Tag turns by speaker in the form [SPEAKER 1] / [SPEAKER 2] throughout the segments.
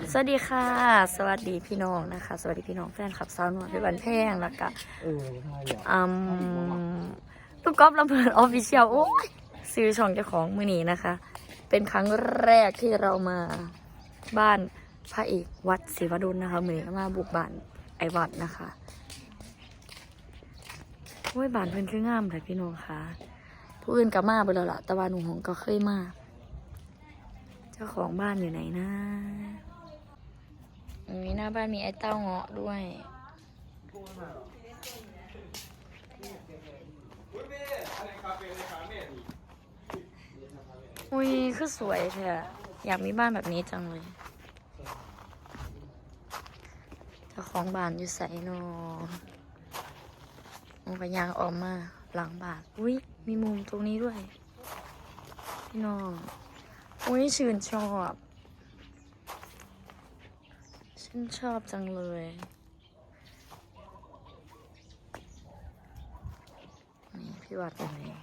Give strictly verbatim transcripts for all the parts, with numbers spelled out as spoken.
[SPEAKER 1] สวัสดีค่ะสวัสดีพี่น้องนะคะสวัสดีพี่น้องแฟนคลับสาวหน่อยเป็นวันแพงแล้วก็อืมตุ๊กก๊อฟลำเพลินออฟฟิเชียลโอ้ยซื้อช่องเจ้าของมือนี้นะคะ เป็นครั้งแรกที่เรามาบ้านพระเอกวัดศรีวดลนะคะมือนี้มาบุกบ้านไอวัดนะคะโอ้ยบ้านเพิ่นคืองามเลยพี่น้องค่ะผู้อื่นก็มาไปแล้วล่ะแต่ว่าหนูหงก็เคยมาเจ้าของบ้านอยู่ไหนนะมีหน้าบ้านมีไอ้เต้าเงาะด้วยอุ้ยคือสวยแท้อยากมีบ้านแบบนี้จังเลยเจ้าของบ้านอยู่ใส่นอมันก็ยางออกมาหลังบ้านอุ้ยมีมุมตรงนี้ด้วยพี่น้องอุ้ยชื่นชอบฉันชอบจังเลยนี่พี่วัดเป็นไง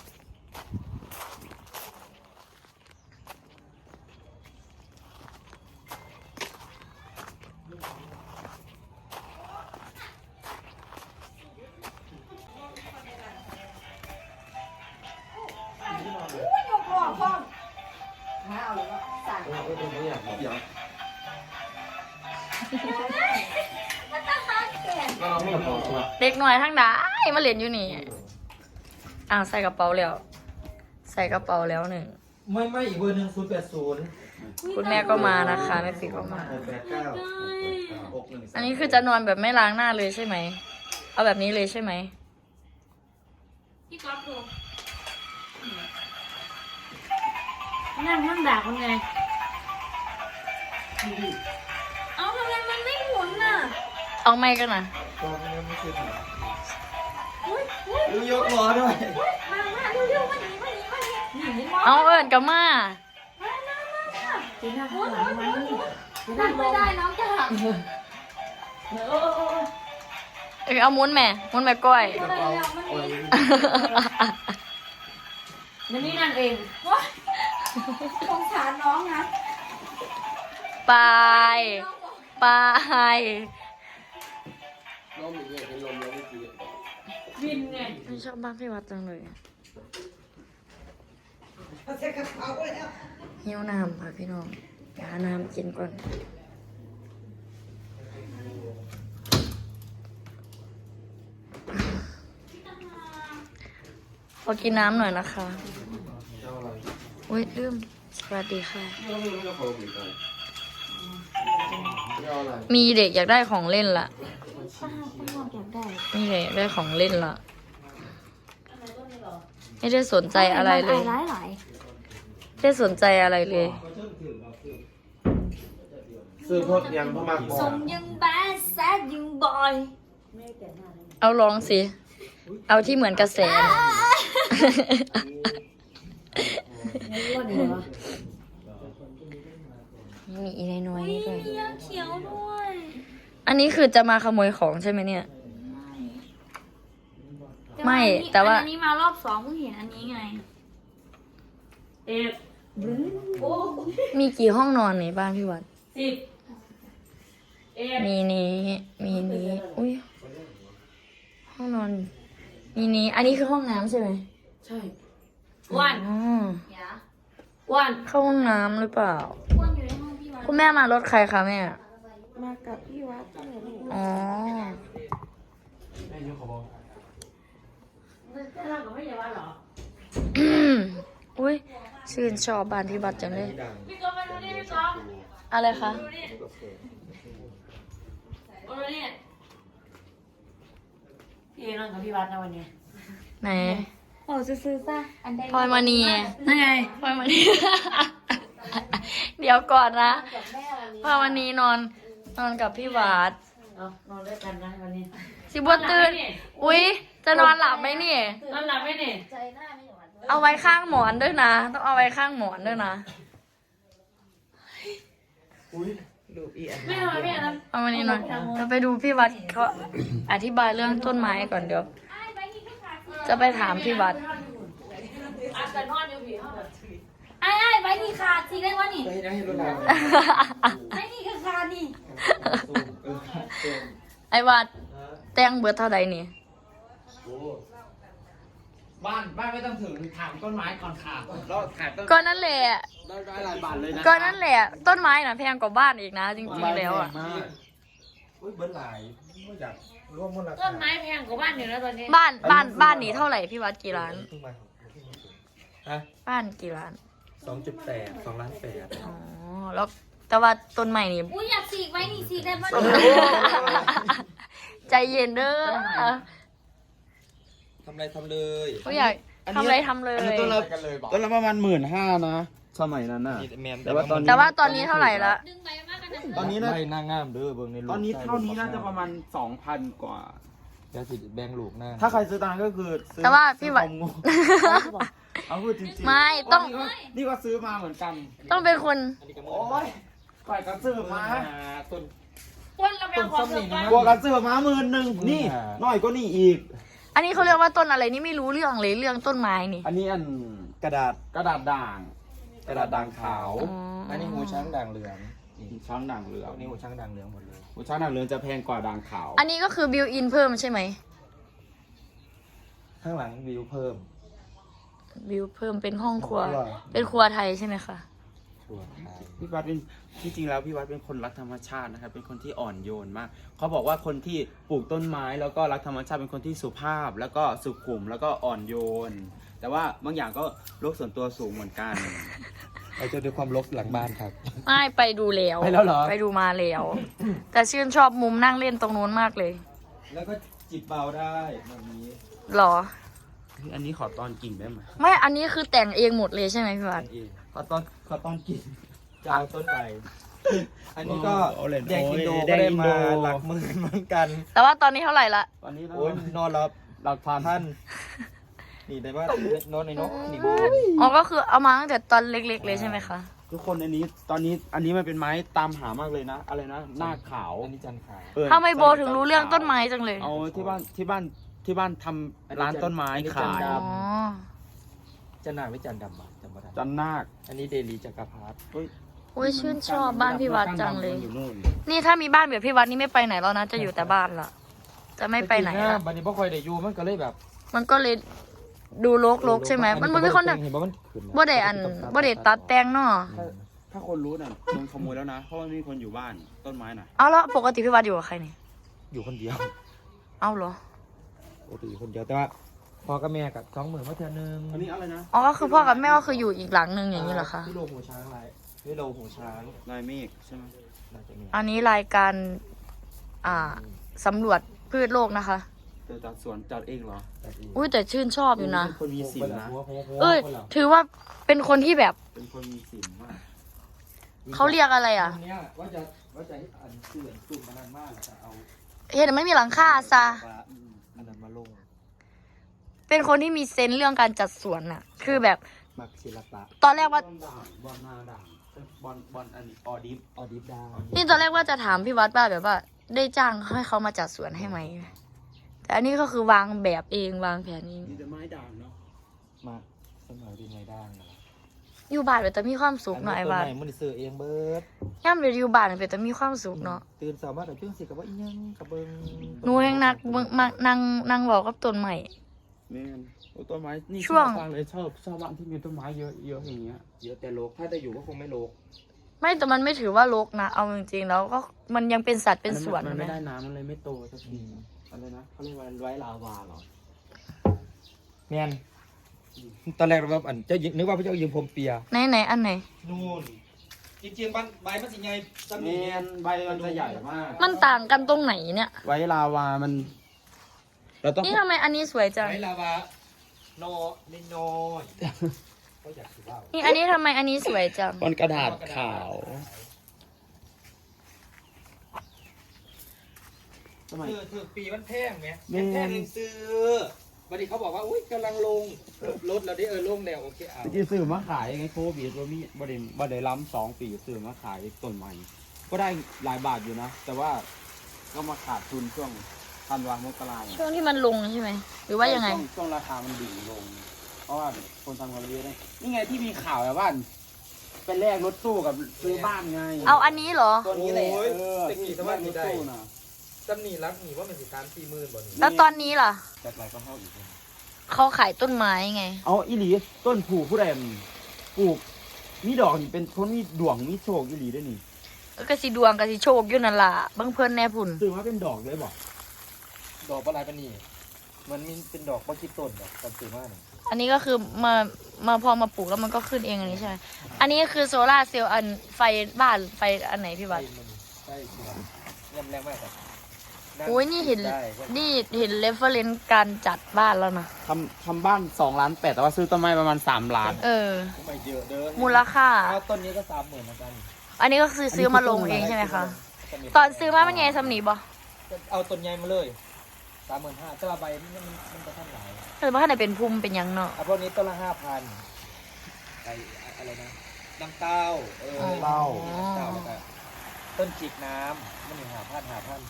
[SPEAKER 1] เด็กหน่อยทั้งได้มาเล่นอยู่นี่อ่างใส่กระเป๋าแล้วใส่กระเป๋าแล้วหนึ่ง
[SPEAKER 2] ไม่ไม่อีกเบอร์หนึ่งศูนย์แปดศูนย์
[SPEAKER 1] คุณแม่ก็มานะคะแม่ปีก็มา
[SPEAKER 2] แปดเก้า
[SPEAKER 1] อันนี้คือจะนอนแบบไม่ล้างหน้าเลยใช่ไหมเอาแบบนี้เลยใช่ไหม
[SPEAKER 3] พี่ก๊อฟดูนั่นมันด่าคนไงเอาทำไมมันไม่หมุนน่ะ
[SPEAKER 1] เอาไม่กันนะ
[SPEAKER 2] ก็ไม่ใช่ถ่าย
[SPEAKER 3] อุ้ยอุ้ย
[SPEAKER 2] ดูยกล้อด้วย
[SPEAKER 3] มามาเร็วๆมาหนีมาหนีมาหนีหนีหนี
[SPEAKER 1] เอาเอิญกับมา
[SPEAKER 3] มามามาจีน่าหมุนหมุนหมุนหมุนนั่งไม่ได้น้องจะหักเออเออเออ
[SPEAKER 1] เออเอามุ้นแม่มุ้นแม่ก้อย
[SPEAKER 3] อะไรแล้วมันนี่มันนี่นั่นเองว้าสงสารน้องนะ
[SPEAKER 1] ไปไป
[SPEAKER 2] น้องมีเงี้ยเป็นลมแล้วเมื่อกี้
[SPEAKER 3] วินไง
[SPEAKER 1] ไม่ชอบบ้านพี่วัดจังเลยหิวน้ำค่ะพี่น้องหาน้ำกินก่อนขอกินน้ำหน่อยนะคะโอ้ยลืมสวัสดีค่ะมีเด็กอยากได้ของเล่นละมีเด็กอยากได้ของเล่นละไม่ได้สนใจอะไรเลยไม่ได้สนใจอะไรเลย
[SPEAKER 2] ซื้อพดยังพ่อมาก
[SPEAKER 3] ส่งยังแบดแซดยังบอย
[SPEAKER 1] เอาลองสิเอาที่เหมือนกระแสมีอีน้อยๆด้วย
[SPEAKER 3] เขียวด้วย
[SPEAKER 1] อันนี้คือจะมาขโมยของใช่ไหมเนี่ยไม่แต่ว่า
[SPEAKER 3] อันนี้มารอบสองเพิ่งเห็นอันนี้ไงเอ็ด
[SPEAKER 1] มีกี่ห้องนอนในบ้านพี่วัด
[SPEAKER 3] สิบ
[SPEAKER 1] มีนี้มีนี้อุ้ยห้องนอนมีนี้อันนี้คือห้องน้ำใช่ไหม
[SPEAKER 3] ใช่วัน
[SPEAKER 1] อ๋อ
[SPEAKER 3] วัน
[SPEAKER 1] เข้าห้องน้ำหรือเปล่า
[SPEAKER 3] วันอยู่ในห้องพี่วัด
[SPEAKER 1] คุณแม่มารถใครคะแม่
[SPEAKER 3] มากับพี่วัด
[SPEAKER 1] อ๋อ
[SPEAKER 2] แม่ยกขบ
[SPEAKER 3] เรากับไม่ใช่วัดหรอ
[SPEAKER 1] อุ้ยชื่นชอบบ้านพี่วัดจังเลย
[SPEAKER 3] พี่ก๊อฟมาดูนี่พี่ก๊อฟ
[SPEAKER 1] อะไรคะ
[SPEAKER 3] ดูนี่ดูนี่พี่นอนกับพี่วัดนะวันนี้
[SPEAKER 1] ไหน
[SPEAKER 3] โอ้ซื้อๆป่ะอันใด
[SPEAKER 1] พลอยมานี
[SPEAKER 3] นั่นไง
[SPEAKER 1] พลอยมานีเดี๋ยวก่อนนะพลอยมานีนอนนอนกับพี่วัด
[SPEAKER 3] เอานอนด้วยกันนะวันนี้
[SPEAKER 1] สิบัวตื่นอุ้ยจะนอนหลับไหมนี่
[SPEAKER 3] นอนหลับไหมนี่
[SPEAKER 1] เอาไว้ข้างหมอนด้วยนะต้องเอาไว้ข้างหมอนด้วยนะ
[SPEAKER 2] อุ้ยดูอีอัน
[SPEAKER 3] ไม่นอนไม่นอน
[SPEAKER 1] เอามานี่หน่อยจะไปดูพี่วัดเขาอธิบายเรื่องต้นไม้ก่อนเดี๋ยวจะไปถามพี่วัด
[SPEAKER 3] ไอ้ไอ้ไปม้นี่ขาดสิได้วะนี่
[SPEAKER 2] ไปให้ได้ให้รถเรา
[SPEAKER 3] ไม้นี่ก็ขาดนี่
[SPEAKER 1] ไอ้วัดแต่งเบิดเท่าใดนี่
[SPEAKER 4] บ้านบ้านไม่ต้องถึงถามต้นไม้ก่อนค่ะ
[SPEAKER 2] เราขายต้น
[SPEAKER 1] ก็นั่นแหละ
[SPEAKER 2] ได้ได้หลายบาทเลยนะ
[SPEAKER 1] ก็นั่นแหละ ต้นไม้น่ะแพงกว่าบ้านอีกนะ จริงๆแล้วอ่ะ
[SPEAKER 2] อุ้ยเบิ้ลหลายไม่อยากร่วมมูลค่า
[SPEAKER 3] ต้นไม้แพงกว่าบ้านอยู่แล้วตอนนี้
[SPEAKER 1] บ้านบ้านบ้านนี้เท่าไหร่พี่วัดกี่ล้าน
[SPEAKER 2] เพิ่งมาฮะ
[SPEAKER 1] บ้านกี่ล้าน
[SPEAKER 2] สองจุดแปดสองล้านแปด
[SPEAKER 1] อ๋อแล้วแต่ว่าต้นใหม่นี่
[SPEAKER 3] อุ้ยอยากฉีกไว้นี่ฉีกได้ปะ
[SPEAKER 1] ใจเย็นเด้อ
[SPEAKER 2] ทำอะไรทำเลย
[SPEAKER 1] ก็อยากทำอะไรทำเลย
[SPEAKER 2] อันนี้ต้นละต้นละประมาณหมื่นห้านะสมัยนั้นน่ะแต่ว่าตอนนี้
[SPEAKER 1] แต่ว่าตอนนี้เท่าไหร่ละ
[SPEAKER 3] ดึงใบมากกันนะ
[SPEAKER 2] ตอนนี้นะ
[SPEAKER 5] ไม่น่างามเด้อเบิ่งในรูป
[SPEAKER 2] ตอนนี้เท่านี้น่าจะประมาณสองพันกว่า
[SPEAKER 5] เดี๋ยวสิแบ่งลูกหน้า
[SPEAKER 2] ถ้าใครซื้อตอนนั้นก็คือซื้อ
[SPEAKER 1] แต่ว่าพี่วัด
[SPEAKER 2] ซื้อคอมโง่เอาพูดจริงๆ
[SPEAKER 1] ไม่ต้อง
[SPEAKER 2] นี่ก็นี่ก็ซื้อมาเหมือนกัน
[SPEAKER 1] ต้องเป็นคน
[SPEAKER 5] อันนี้ก็
[SPEAKER 2] โอ้ยก่อยกันซื้อมา
[SPEAKER 5] ต้น
[SPEAKER 3] ต้นเราแพงกว่าเสือกัน
[SPEAKER 2] กลัวกันซื้อมาหมื่นหนึ่งนี่น้อยก็นี่อีก
[SPEAKER 1] อันนี้เขาเรียกว่าต้นอะไรนี่ไม่รู้เรื่องเลยเรื่องต้นไม้นี่
[SPEAKER 2] อันนี้อัน
[SPEAKER 5] กระดาษ
[SPEAKER 2] กระดาษด่าง กระดาษด่างขาว
[SPEAKER 1] อ๋อ
[SPEAKER 5] อันนี้หูช้างด่างเหลืองนี่
[SPEAKER 2] ช้างด่างเหลือง
[SPEAKER 5] อันนี้หูช้างด่างเหลืองหมดเลย
[SPEAKER 2] หูช้างด่างเหลืองจะแพงกว่าด่างขาว
[SPEAKER 1] อันนี้ก็คือบิวอินเพิ่มใช่ไหม
[SPEAKER 5] ข้างหลังวิวเพิ่ม
[SPEAKER 1] บิวเพิ่มเป็นห้องครัว
[SPEAKER 5] อร่อย
[SPEAKER 1] เป็นครัวไทยใช่ไหมคะ
[SPEAKER 5] ชัวร์ไทย
[SPEAKER 2] พี่วัดเป็นที่จริงแล้วพี่วัดเป็นคนรักธรรมชาตินะครับ เป็นคนที่อ่อนโยนมาก เขาบอกว่าคนที่ปลูกต้นไม้แล้วก็รักธรรมชาติเป็นคนที่สุภาพ แล้วก็สุขุมแล้วก็อ่อนโยน แต่ว่าบางอย่างก็โลกส่วนตัวสูงเหมือนกัน
[SPEAKER 5] เราจะดูความรกหลังบ้านครับ
[SPEAKER 1] ไม่ไปดูแล้ว
[SPEAKER 5] ไปแล้วเหรอ
[SPEAKER 1] ไปดูมาแล้ว แต่ชื่นชอบมุมนั่งเล่นตรงนู้นมากเลย
[SPEAKER 2] แล้วก็จิบเบาได้แบบนี้
[SPEAKER 1] หรอ
[SPEAKER 2] อันนี้ขอตอนกิ่งได้ไหม
[SPEAKER 1] ไม่ อันนี้คือแต่งเองหมดเลยใช่ไหมพี่วัด
[SPEAKER 2] เองขอตอนขอตอนกิ่งจะเอาต้นไป อันนี้ก็
[SPEAKER 5] โอ้เล่น
[SPEAKER 2] แดงอินโด
[SPEAKER 5] โอ้ยแด
[SPEAKER 2] ก็
[SPEAKER 5] ง
[SPEAKER 2] ได้
[SPEAKER 5] อิน
[SPEAKER 2] มา
[SPEAKER 5] โด
[SPEAKER 2] หลักหมื่นเหมือนกัน
[SPEAKER 1] แต่ว่าตอนนี้เท่าไหร่ละ
[SPEAKER 2] ตอนนี้นะ
[SPEAKER 5] โอ้ยนอนรับ
[SPEAKER 2] หลักพัน
[SPEAKER 5] ท่านนี่ได้ว่านอนในนกนี่
[SPEAKER 1] อ๋อ ก็คือเอามาตั้งแต่ตอนเล็กๆเลยใช่ไหมคะ
[SPEAKER 2] ทุกคนอันนี้ตอนนี้อันนี้มันเป็นไม้ตามหามากเลยนะ อะไรนะหน้าขาว
[SPEAKER 5] อันนี้จันทร์ขาว
[SPEAKER 2] เออ
[SPEAKER 1] ทำไมโบถึงรู้เรื่องต้นไม้จังเลย
[SPEAKER 2] เอาที่บ้านที่บ้านที่บ้านทำร้านต้นไม้ขาย
[SPEAKER 1] อ๋อ
[SPEAKER 5] จันนางหรือจันดำอ่ะจำไม่ได้
[SPEAKER 2] จันนาค
[SPEAKER 5] อันนี้เดลีจักรพรรดิ
[SPEAKER 2] เฮ้ย
[SPEAKER 1] อุ้ยชื่นชอบบ้านพี่วัดจังเลย
[SPEAKER 2] อยู่นู่น
[SPEAKER 1] นี่ถ้ามีบ้านแบบพี่วัดนี่ไม่ไปไหนแล้วนะ จะอยู่แต่บ้านละจะไม่ไปไหน
[SPEAKER 5] แต่จริง
[SPEAKER 1] ละ
[SPEAKER 5] ๆบันนี้พ่อคอยได้อยู่มันก็เลยแบบ
[SPEAKER 1] มันก็เลยดูรกๆใช่ไหม มันมันเป็นคน
[SPEAKER 5] เห็นว่ามันขึ้น
[SPEAKER 1] บ่ได้อันบ่ได้ตัดแต่งเนาะ
[SPEAKER 2] ถ้าถ้าคนรู้น่ะโดนขโมยแล้วนะ เพราะว่าไม่มีคนอยู่บ้านต้นไม้น่ะ
[SPEAKER 1] เอาแล้วปกติพี่วัดอยู่กับใครนี่
[SPEAKER 5] อยู่คนเดียว
[SPEAKER 1] เอาเหรอ
[SPEAKER 5] ปกติอยู่คนเดียวแต่ว่าพ่อกับแม่กับสองหมื่นมาเทื่อนึง
[SPEAKER 2] อันนี้อะไรนะ
[SPEAKER 1] อ๋อก็คือพ่อกับแม่ก็คืออยู่อีกหลังหนึ่งอย่างนี้เหรอคะ
[SPEAKER 5] ที่โลหูช้างอะไรที่โลหูช้าง
[SPEAKER 2] ลายเมฆใช่ไหม
[SPEAKER 5] น่าจะมี
[SPEAKER 1] อันนี้รายการ อ่าสำรวจพืชโลกนะคะ
[SPEAKER 2] เธอจัดสวนจัดเองเหรอ
[SPEAKER 1] อุ้ยแต่ชื่นชอบอยู่นะ
[SPEAKER 2] เป็นคนมีศีลนะ
[SPEAKER 1] เอ้ย ถือว่าเป็นคนที่แบบ
[SPEAKER 2] เป็นคนมีศีลมาก
[SPEAKER 1] เขาเรียกอะไรอ่ะ
[SPEAKER 5] ตรงเนี้ยว่าจะว่าจะให้อันเสื่อนตุ่มมานานมากจะเอา
[SPEAKER 1] เห็นไม่มีหลังคาซะ
[SPEAKER 5] อืมอันนั้นมาลง
[SPEAKER 1] เป็นคนที่มีเซนส์เรื่องการจัดสวนน่ะ คือแบบ
[SPEAKER 5] มักศิลปะ
[SPEAKER 1] ตอนแรกว่า
[SPEAKER 2] บอลด่างบอลนาด่างบอลบอลอันนี้ออดิฟ
[SPEAKER 5] ออดิฟดาว
[SPEAKER 1] นี่ตอนแรกว่าจะถามพี่วัดว่าแบบว่า ได้จ้างให้เขามาจัดสวนให้ไหม แต่อันนี้ก็คือวางแบบเองวางแผนเอง
[SPEAKER 2] มีแต่ไม้ด่างเนาะ
[SPEAKER 5] มาสมัยดีไงด้างนะ
[SPEAKER 1] อยู่บ้านเป็นแต่มีความสุขหน่อยบ้าน
[SPEAKER 5] ต้นไม้มันได้ซื้อเองเบิด
[SPEAKER 1] ย่ำเดี๋ยวอยู่บ้านเป็นแต่มีความสุขเนาะ
[SPEAKER 5] ตื่นสามารถแต่เพิ่งสิกับว่าอีหยังกับเบิง
[SPEAKER 1] หนูแห่งนักเบิ่งมักนั่งนั่งบอกกับต้นใหม่
[SPEAKER 2] แม่นโอ้ต้นไม้นี่
[SPEAKER 1] ช่วง
[SPEAKER 2] ชอบฟังเลยชอบชอบบ้านที่มีต้นไม้เยอะเยอะอย่างเงี้ย
[SPEAKER 5] เยอะแต่โลกถ้าได้อยู่ก็คงไม่โลก
[SPEAKER 1] ไม่แต่มันไม่ถือว่ารกนะ เอาจริงๆแล้วก็มันยังเป็นสัตว์เป็นสวน
[SPEAKER 2] มัน
[SPEAKER 1] ไหม
[SPEAKER 2] ไม่ได้น้ำมันเลยไม่โตสักทีอะไรนะเขาเรียกว่าไว้ลาวาเหรอ
[SPEAKER 5] แมนตอนแรกเราแบบอันเจ้ายิงนึกว่าพระเจ้ายิงพรมเปีย
[SPEAKER 1] ไหนไหนอันไหน
[SPEAKER 5] นู่นจริงๆใบใบมันสิไงส
[SPEAKER 2] แม
[SPEAKER 5] มี
[SPEAKER 2] นใบมันจะใหญ่มาก
[SPEAKER 1] มันต่างกันตรงไหนเนี่ย
[SPEAKER 2] ไว้ลาวามันเราต้อง
[SPEAKER 1] นี่ทำไมอันนี้สวยจัง
[SPEAKER 5] ไบลาวาโนนิโนยก็อยากถือว่า
[SPEAKER 1] นี่อันนี้ทำไมอันนี้สวยจัง
[SPEAKER 2] บนกระดาษขาว ทำไม
[SPEAKER 5] เธอเธอปีมันแพงไหม
[SPEAKER 2] แม่
[SPEAKER 5] แพงเองซื้อบัดนี้เขาบอกว่าอุ้ยกำลังลงรถเราได้เออลงแล้วโอเคเอา
[SPEAKER 2] เมื่อกี้ซื้อมาขายไงโควิดว่ามีบ่ได้บ่ได้ล้ำสองปีซื้อมาขายต้นไม้ก็ได้หลายบาทอยู่นะ แต่ว่าก็มาขาดทุนช่วงธันวามกราเนี่ย
[SPEAKER 1] ช่วงที่มันลงใช่ไหม หรือว่ายังไง
[SPEAKER 2] ช่วช่วงราคามันดิ่งลง เพราะว่าคนทำกันเยอะได้นี่ไงที่มีข่าวแบบว่าไปแลกรถตู้กับซื้อบ้านไง
[SPEAKER 1] เอาอันนี้เหรอ
[SPEAKER 2] ตัวนี้แหละ
[SPEAKER 5] โอ้ย
[SPEAKER 2] เออ
[SPEAKER 5] ตะกี้
[SPEAKER 2] ที่
[SPEAKER 5] สมัยนี้ได้
[SPEAKER 2] รถตู้น่ะ
[SPEAKER 5] จำนี่รักนี่ว่ามันสิสามสี่หมื่นบ่นี่
[SPEAKER 1] แล้วตอนนี้ล่ะ
[SPEAKER 2] จากไรก็เข้าอีก
[SPEAKER 1] เขาขายต้นไม้ไง
[SPEAKER 2] เอาอีหลีต้นผูกผู้ใดมันปลูกมีดอกนี่เป็นคนมีดวงมีโชคอีหลีด้วยนี่
[SPEAKER 1] ก็สิดวงก็สิโชคอยู่นั่นล่ะเบิ่งเพิ่นแน่พุ่น
[SPEAKER 2] ซื้อมาเป็นดอกเลยบอก
[SPEAKER 5] ดอกปลายปานนี่มันมีเป็นดอกบ่คิดต้นดอกตอนซื้อมานี่
[SPEAKER 1] อันนี้ก็คือมามาพอมาปลูกแล้วมันก็ขึ้นเองอันนี้ใช่ไหมอันนี้คือโซล่าร์เซลล์อันไฟบ้านไฟอันไหนพี่
[SPEAKER 5] ใช่
[SPEAKER 1] วัด
[SPEAKER 5] มันใช่สิครับย่ำแรงมากครับ
[SPEAKER 1] โอ้ยนี่เห็น
[SPEAKER 5] ได้
[SPEAKER 1] นี่เห็นเรฟเฟอเรนซ์การจัดบ้านแล้วนะ
[SPEAKER 2] ทำทำบ้านสองล้านแปดแต่ว่าซื้อต้นไม้ประมาณสามล้าน
[SPEAKER 1] เออ
[SPEAKER 5] ไม่เยอะเด้อ
[SPEAKER 1] มูลค่า
[SPEAKER 5] ถ้าต้นนี้ก็สามหมื่นเหมือนกัน
[SPEAKER 1] อันนี้ก็คือซื้อมาลงเองใช่ไหมคะ ตอนซื้อมาเป็นไงสำนีบ่
[SPEAKER 5] เอาต้นใหญ่มาเลยสามหมื่นห้าแต่ว่าใบมันมันมันจะท่านหลาย
[SPEAKER 1] เออว่าไหนเป็นภูมิเป็นหยังเนาะ
[SPEAKER 5] เอาพวกนี้ต้นละห้าพันไออะไรนะน้ำเต้าเออ
[SPEAKER 2] เต้า
[SPEAKER 5] น้ำเต้าแล้วก็ต้นจิกน้ำมันหนึ่งหาพันหาพัน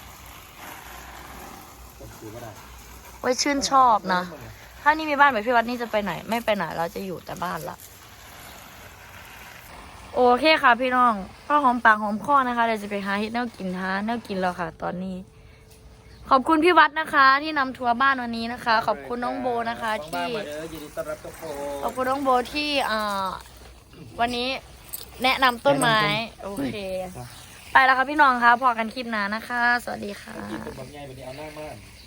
[SPEAKER 5] ต้นซื้อก็ได้
[SPEAKER 1] ไว้ชื่นชอบนะ ถ้านี่มีบ้านแบบพี่วัดนี่จะไปไหน ไม่ไปไหนเราจะอยู่แต่บ้านละโอเคค่ะพี่น้องก็หอมปากหอมคอนะคะเดี๋ยวจะไปหาเฮ็ดแนวกินหาแนวกินแล้วค่ะ ตอนนี้ ขอบคุณพี่วัดนะคะ ที่นำทัวร์บ้านวันนี้นะคะ ขอบคุณน้องโบนะคะ ที่
[SPEAKER 5] มาเด้อยินดีต้อนรับทุกคน
[SPEAKER 1] ขอบคุณน้องโบที่อ่าวันนี้แนะนำต้นไม้ โอเค ไปแล้วค่ะพี่น้องคะพอกันคลิปหน้านะคะ สวัสดีค่ะ
[SPEAKER 5] กินเป็นบางใหญ่วันนี้เอาหน้ามาก